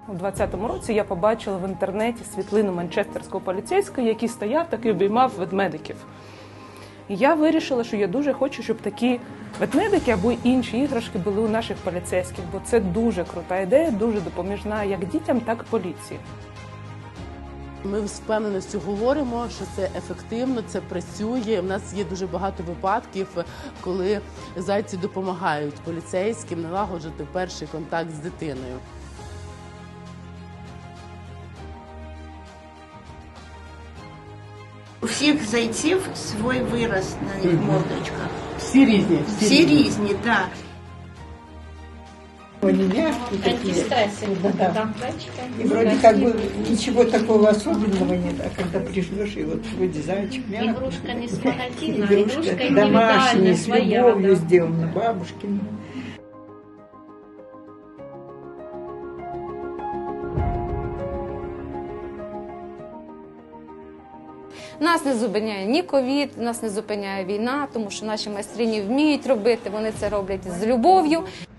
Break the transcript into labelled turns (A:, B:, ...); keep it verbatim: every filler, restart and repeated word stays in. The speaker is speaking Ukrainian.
A: У двадцятому році я побачила в інтернеті світлину манчестерського поліцейського, який стояв так і обіймав ведмедиків. І я вирішила, що я дуже хочу, щоб такі ведмедики або інші іграшки були у наших поліцейських, бо це дуже крута ідея, дуже допоміжна як дітям, так і поліції.
B: Ми з впевненістю говоримо, що це ефективно, це працює. У нас є дуже багато випадків, коли зайці допомагають поліцейським налагоджити перший контакт з дитиною.
C: У всіх зайців свій вираз на них мордочках.
B: Всі різні?
C: Всі, всі різні, так. Да.
D: Они мягкие такие.
E: Антистрессовые,
D: да.
E: да.
D: И вроде как бы ничего такого особенного нет, а когда прижмешь, и вот вроде зайчик мягкий.
E: Игрушка не с магазина,
D: Игрушка,
E: игрушка
D: домашняя,
E: индивидуальная,
D: с
E: своя.
D: любовью
E: Да.
D: сделана, бабушкина.
F: Нас не зупиняє ні ковід, нас не зупиняє війна, тому що наші майстрині вміють робити, вони це роблять з любов'ю.